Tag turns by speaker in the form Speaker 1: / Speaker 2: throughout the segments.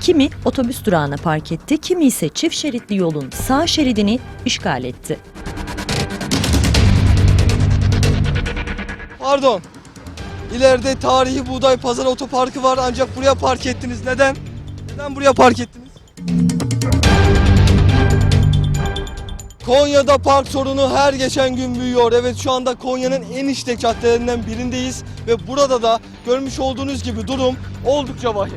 Speaker 1: Kimi otobüs durağına park etti, kimi ise çift şeritli yolun sağ şeridini işgal etti.
Speaker 2: Pardon. İleride tarihi Buğday Pazarı Otoparkı var ancak buraya park ettiniz. Neden? Neden buraya park ettiniz? Konya'da park sorunu her geçen gün büyüyor. Evet, şu anda Konya'nın en işlek caddelerinden birindeyiz ve burada da görmüş olduğunuz gibi durum oldukça vahim.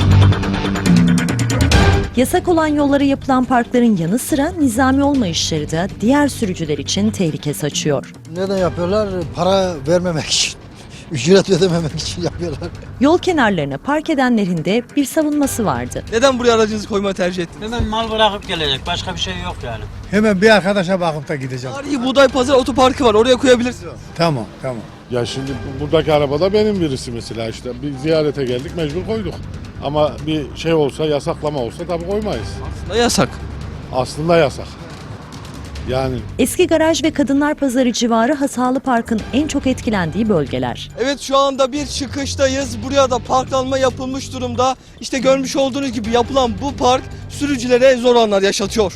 Speaker 1: Yasak olan yollara yapılan parkların yanı sıra nizami olmayışları da diğer sürücüler için tehlike saçıyor.
Speaker 3: Neden yapıyorlar? Para vermemek için. Ücret ödememek için yapıyorlar.
Speaker 1: Yol kenarlarına park edenlerin de bir savunması vardı.
Speaker 2: Neden buraya aracınızı koymayı tercih ettiniz?
Speaker 4: Hemen mal bırakıp gelecek. Başka bir şey yok yani.
Speaker 5: Hemen bir arkadaşa bakıp da gideceğim.
Speaker 2: Tarihi Buğday Pazarı Otoparkı var, oraya koyabilirsiniz.
Speaker 5: Tamam.
Speaker 6: Ya şimdi buradaki arabada benim birisi mesela, işte bir ziyarete geldik, mecbur koyduk. Ama bir şey olsa, yasaklama olsa tabii koymayız.
Speaker 2: Aslında yasak.
Speaker 6: Aslında yasak. Yani
Speaker 1: Eski Garaj ve Kadınlar Pazarı civarı Hasalı Park'ın en çok etkilendiği bölgeler.
Speaker 2: Evet, şu anda bir çıkıştayız. Buraya da parklanma yapılmış durumda. İşte görmüş olduğunuz gibi yapılan bu park sürücülere zor anlar yaşatıyor.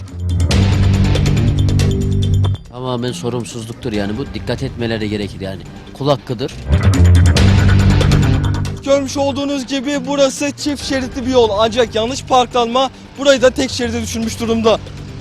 Speaker 7: Tamamen sorumsuzluktur yani, bu dikkat etmeleri gerekir yani. Kul hakkıdır.
Speaker 2: Görmüş olduğunuz gibi burası çift şeritli bir yol ancak yanlış parklanma burayı da tek şeride düşürmüş durumda.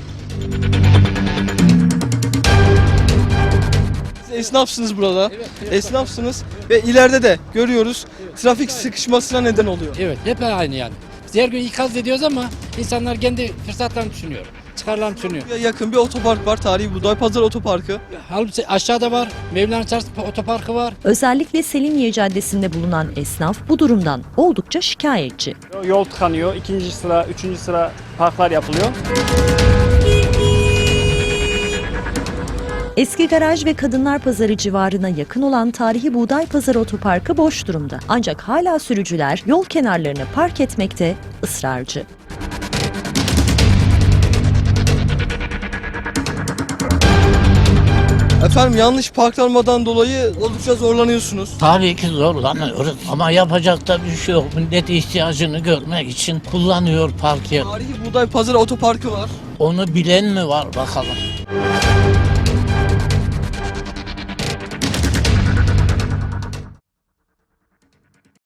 Speaker 2: Siz esnafsınız burada. Esnafsınız ve ileride de görüyoruz trafik sıkışmasına neden oluyor.
Speaker 8: Evet, hep aynı yani. Biz her gün ikaz ediyoruz ama insanlar kendi fırsatlarını düşünüyor. Çıkarlarını düşünüyor.
Speaker 2: Buraya yakın bir otopark var, Tarihi Buğday Pazarı Otoparkı.
Speaker 8: Halbuki aşağıda var, Mevlana Çarşı Otoparkı var.
Speaker 1: Özellikle Selimiye Caddesi'nde bulunan esnaf bu durumdan oldukça şikayetçi.
Speaker 9: Yol tıkanıyor, ikinci sıra, üçüncü sıra parklar yapılıyor.
Speaker 1: Eski Garaj ve Kadınlar Pazarı civarına yakın olan Tarihi Buğday Pazarı Otoparkı boş durumda. Ancak hala sürücüler yol kenarlarına park etmekte ısrarcı.
Speaker 2: Efendim, yanlış parklanmadan dolayı oldukça zorlanıyorsunuz.
Speaker 10: Tabii ki zorlanıyoruz ama yapacak da bir şey yok. Millet ihtiyacını görmek için kullanıyor park yer.
Speaker 2: Tarihi Buğday Pazarı Otoparkı var.
Speaker 10: Onu bilen mi var bakalım.